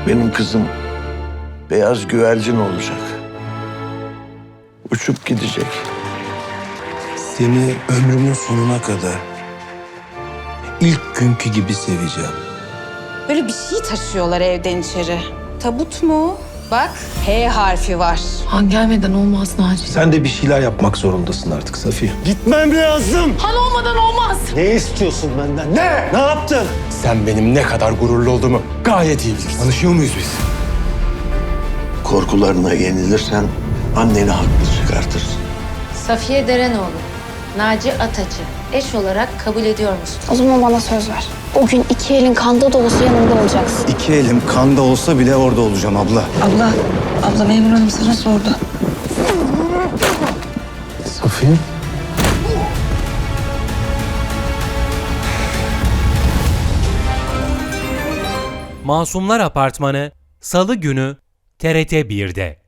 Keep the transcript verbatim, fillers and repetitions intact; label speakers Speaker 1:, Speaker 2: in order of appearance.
Speaker 1: Benim kızım beyaz güvercin olacak. Uçup gidecek.
Speaker 2: Seni ömrümün sonuna kadar ilk günkü gibi seveceğim.
Speaker 3: Böyle bir şey taşıyorlar evden içeri. Tabut mu? Bak H harfi var.
Speaker 4: Han gelmeden olmaz Naci.
Speaker 2: Sen de bir şeyler yapmak zorundasın artık Safiye.
Speaker 5: Gitmem lazım.
Speaker 4: Han olmadan olmaz.
Speaker 5: Ne istiyorsun benden? Ne? Ne yaptın?
Speaker 2: Sen benim ne kadar gururlu olduğumu gayet iyi bilirsin. Tanışıyor muyuz biz?
Speaker 1: Korkularına yenilirsen anneni haklı çıkartırsın.
Speaker 6: Safiye Derenoğlu, Naci Ataç'ı eş olarak kabul ediyor musun?
Speaker 7: O zaman bana söz ver. O gün iki elin kanda da olsa yanımda olacaksın.
Speaker 5: İki elim kanda olsa bile orada olacağım abla.
Speaker 4: Abla, abla memur hanım sana sordu.
Speaker 2: Safiye?
Speaker 8: Masumlar Apartmanı Salı günü T R T bir'de.